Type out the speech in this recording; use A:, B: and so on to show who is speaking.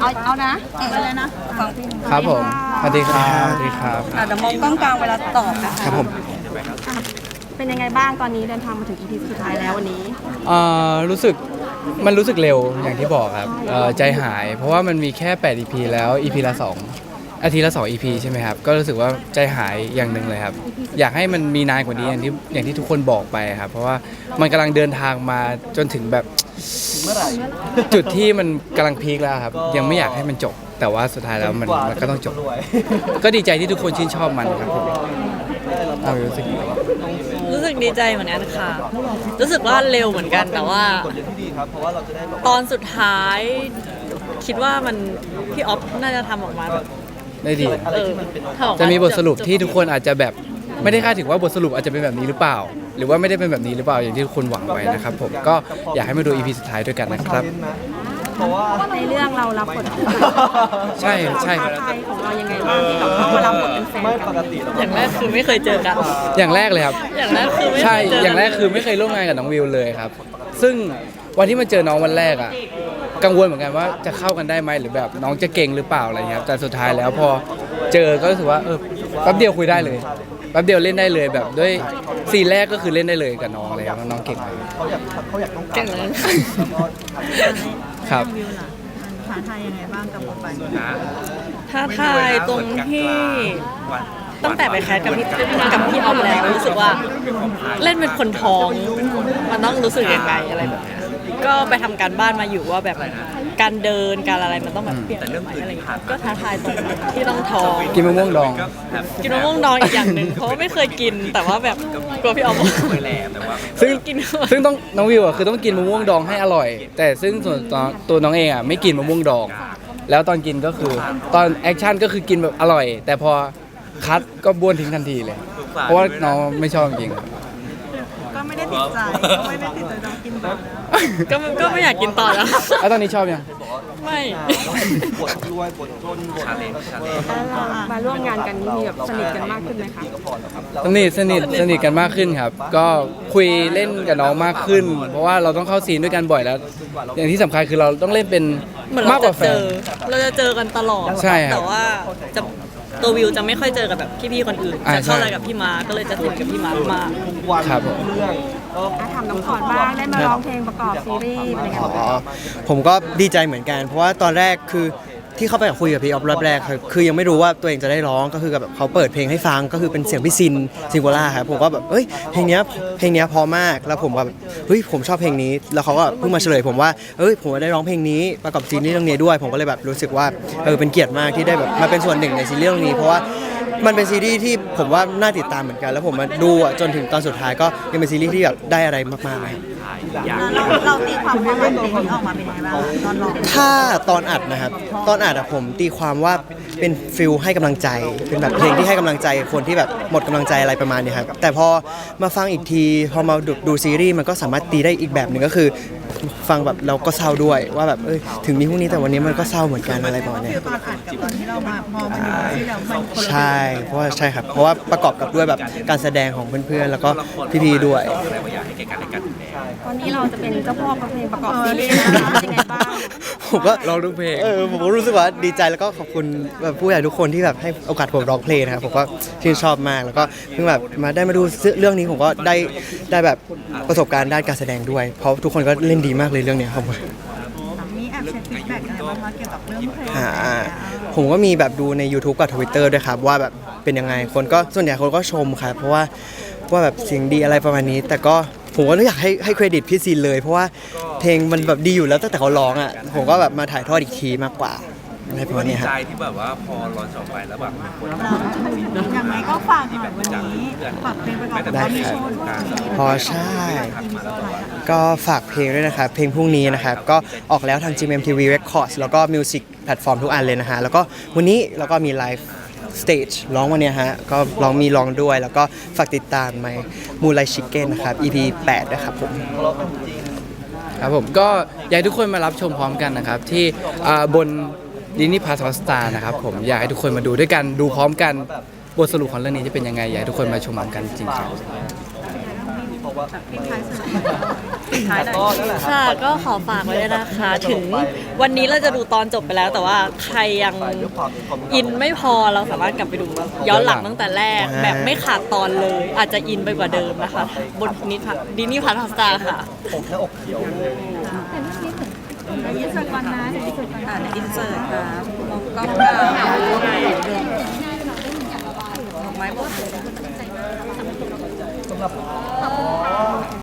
A: เอานะไปเลยนะฟังพี่
B: ครับผมสวัสดีครับสวัสดีครับ
A: เดี๋ยวมองกล้องกลางเวลาตอบนะครับ
B: ผม
A: เป็นยังไงบ้างตอนนี้เดินทางมาถึง EP สุดท้ายแล้ววันนี้
B: รู้สึกเร็วอย่างที่บอกครับใจหายเพราะว่ามันมีแค่8 EP แล้ว EP ละ2อาทิตย์ละ2 EP ใช่ไหมครับก็รู้สึกว่าใจหายอย่างหนึ่งเลยครับอยากให้มันมีนานกว่านี้อย่างที่ทุกคนบอกไปครับเพราะว่ามันกำลังเดินทางมาจนถึงแบบจุดที่มันกำลังพีคแล้วครับยังไม่อยากให้มันจบแต่ว่าสุดท้ายแล้วมันก็ต้องจบก็ดีใจที่ทุกคนชื่นชอบมันครับผม
C: รู้สึกดีใจเหมือนกันค่ะ รู้สึกว่าเร็วเหมือนกันแต่ว่าตอนสุดท้ายคิดว่ามันพี่ออฟน่าจะทำออกมาแบบ
B: ได้ดี
C: ทำออกา
B: จะมีบทสรุปที่ทุกคนอาจจะแบบไม่ได้คาดถึงว่าบทสรุปอาจจะเป็นแบบนี้หรือเปล่า หรือว่าไม่ได้เป็นแบบนี้หรือเปล่าอย่างที่ทุกคนหวังไว้นะครับผมก็อยากให้มาดู EP สุดท้ายด้วยกันนะครับ
A: ในเรื่องเรารับบท
B: ใช่ใช่
A: ไทยของเรายังไงบ้างที่เราเข้ามารับบทเป็นแฟนกัน
C: อย่างแรกคือไม่เคยเจอกัน
B: อย่างแรกเลยครับ
C: อย่างแรกคือไม่
B: ใช่
C: เคยเจอ
B: อย่างแรกคือไม่เคยร่วมงานกับน้องวิวเลยครับซึ่งวันที่มาเจอน้องวันแรกอ่ะกังวลเหมือนกันว่าจะเข้ากันได้ไหมหรือแบบน้องจะเก่งหรือเปล่าอะไรเงี้ยแต่สุดท้ายแล้วพอเจอก็รู้สึกว่าแป๊บเดียวคุยได้เลยแป๊บเดียวเล่นได้เลยแบบด้วยซีนแรกก็คือเล่นได้เลยกับน้องอะไรครับน้องเก่งมาก
C: เก่งเลย
B: ครับ
A: ท้าทายยังไงบ้างกับบทบาท
C: ท้าทายตรงที่ตั้งแต่ไปแคสกับพี่ออฟแล้วรู้สึกว่าเล่นเป็นคนท้องมันต้องรู้สึกยังไงอะไรแบบนี้ก็ไปทำการบ้านมาอยู่ว่าแบบการเดินการอะไรมันต้องแบบเปลี่ยนไปอะไรอย่างเงี้ยก็ท้าทายตรงที่ต้องท้อง
B: กินมะม่วงดอง
C: กินมะม่วงดองอีกอย่างหนึ่งเพราะว่าไม่เคยกินแต่ว่าแบบกลัวพี่ออฟ
B: ซึ่งต้องน้องวิวอ่ะคือต้องกินมะม่วงดองให้อร่อยแต่ซึ่งส่วนตัวน้องเองอ่ะไม่กินมะม่วงดองแล้วตอนกินก็คือตอนแอคชั่นก็คือกินแบบอร่อยแต่พอคัดก็บ้วนทิ้งทันทีเลยเพราะว่าน้องไม่ชอบจริง
A: ก็ไม่ได้ติดใจน้องกินต่อ
C: ก็ไม่อยากกินต่อแล้ว
B: แล้วตอนนี้ชอบยัง
C: ไม่
A: มาร่วมงานกันนี่มีแบบสนิทกันมากขึ้นไหมคะ
B: สนิทกันมากขึ้นครับก็คุยเล่นกับน้องมากขึ้นเพราะว่าเราต้องเข้าซีนด้วยกันบ่อยแล้วอย่างที่สำคัญคือเราต้องเล่นเป็นมากกว่าแฟน
C: เราจะเจอกันตลอด
B: ใช่ครับ
C: แต่ว่าจะตัววิวจะไม่ค่อยเจอกับแบบพี่ๆคนอื่นจะเข้าอะไรกับพี่มาก็เลยจะสนิทกับพี่มามาก
B: ครับ
A: ถามน้องขอดบ้างได้มาร้องเพลงประกอบซีรีส์เป็นยังไงบ้าง
D: ผมก็ดีใจเหมือนกันเพราะว่าตอนแรกคือที่เขาไปคุยกับพี่ออฟรอบแรกคือยังไม่รู้ว่าตัวเองจะได้ร้องก็คือแบบเขาเปิดเพลงให้ฟังก็คือเป็นเสียงพี่ซิงโกล่าครับผมก็แบบเพลงเนี้ยพอมากแล้วผมแบบผมชอบเพลงนี้แล้วเขาก็เพิ่งมาเฉลยผมว่าผมได้ร้องเพลงนี้ประกอบซีรีส์เรื่องนี้ด้วยผมก็เลยแบบรู้สึกว่าเป็นเกียรติมากที่ได้แบบมาเป็นส่วนหนึ่งในซีรีส์เรื่องนี้เพราะว่ามันเป็นซีรีส์ที่ผมว่าน่าติดตามเหมือนกันแล้วผมมาดูจนถึงตอนสุดท้ายก็ยังเป็นซีรีส์ที่แบบได้อะไรมากๆ
A: เราตีความว่าเพลงนี้ออกมาเป็นยังไงบ้างตอนร้อง
D: ถ้าตอนอัดนะครับตอนอัดผมตีความว่าเป็นฟิลให้กำลังใจเป็นแบบเพลงที่ให้กำลังใจคนที่แบบหมดกำลังใจอะไรประมาณนี้ครับแต่พอมาฟังอีกทีพอมาดูซีรีส์มันก็สามารถตีได้อีกแบบหนึ่งก็คือฟังแบบเราก็เศร้าด้วยว่าแบบถึงมีพวกนี้แต่วันนี้มันก็เศร้าเหมือนกันอะไรประมาณนี้
A: ตอนอัดกับตอนที่เรามาพอมันที่เรามันคนละ
D: ใช่เพราะว่าใช่ครับเพราะว่าประกอบกับด้วยแบบการแสดงของเพื่อนๆแล้วก็พี่ๆด้วย
A: ตอนนี้เราจะเป็นเจ้าพ่อเพลงประกอบซีรีส์นะคะยังไงบ้าง
D: ผมก็
B: ร้องทุกเพลง
D: ผมก็รู้สึกว่าดีใจแล้วก็ขอบคุณแบบผู้ใหญ่ทุกคนที่แบบให้โอกาสผมร้องเพลงนะครับผมก็ชื่นชอบมากแล้วก็เพิ่งแบบมาได้มาดูเรื่องนี้ผมก็ได้แบบประสบการณ์ด้านการแสดงด้วยเพราะทุกคนก็เล่นดีมากเลยเรื่องนี้ครับ
A: มีแอบเช็คฟีดแบ็กอะไรบ้างคะเกี่ยวกับเรื่องเพลง
D: ผมก็มีแบบดูใน YouTube กับ Twitter ด้วยครับว่าแบบเป็นยังไงคนก็ส่วนใหญ่คนก็ชมครับเพราะว่าแบบเสียงดีอะไรประมาณนี้แต่ก็ผมก็อยากให้เครดิตพี่ซีนเลยเพราะว่าเพลงมันแบบดีอยู่แล้วตั้งแต่เขาร้องอ่ะผมก็แบบมาถ่ายทอดอีกทีมากกว่าอะไรประมาณนี้ครับ
E: ใจที่แบบว่าพอร้อนออกไปแล้วแบบ
A: อย่างไรก็ฝากหน่อยวันนี้ฝากเพลงประกอบ
D: ได้ครับพอใช่ก็ฝากเพลงด้วยนะครับเพลงพรุ่งนี้นะครับก็ออกแล้วทาง GMMTV Records แล้วก็ Music แพลตฟอร์มทุกอันเลยนะฮะแล้วก็วันนี้เราก็มีไลฟ์สเตจร้องวันนี้ฮะก็ร้องด้วยแล้วก็ฝากติดตามไหมมูไลชิคเก้นนะครับ EP 8นะครับ
B: ผมก็อยากให้ทุกคนมารับชมพร้อมกันนะครับที่บนดิสนีย์พลัสฮอตสตาร์นะครับผมอยากให้ทุกคนมาดูด้วยกันดูพร้อมกันบทสรุปของเรื่องนี้จะเป็นยังไงอยากให้ทุกคนมาชมพร้อมกันจริงๆ
C: ค่ะก็ขอฝากไว้ด้วยนะคะ ถึงวันนี้เราจะดูตอนจบไปแล้ว แต่ว่าใครยังอินไม่พอเราสามารถกลับไปดูย้อนหลังตั้งแต่แรก แบบไม่ขาดตอนเลย อาจจะอินไปกว่าเดิมนะคะ บนดินี่พาร์ทสตาร์ค่ะ
A: อินเสิร์ตก่อนนะอินเสิร์ตครับมองกล้องดอกไม้บด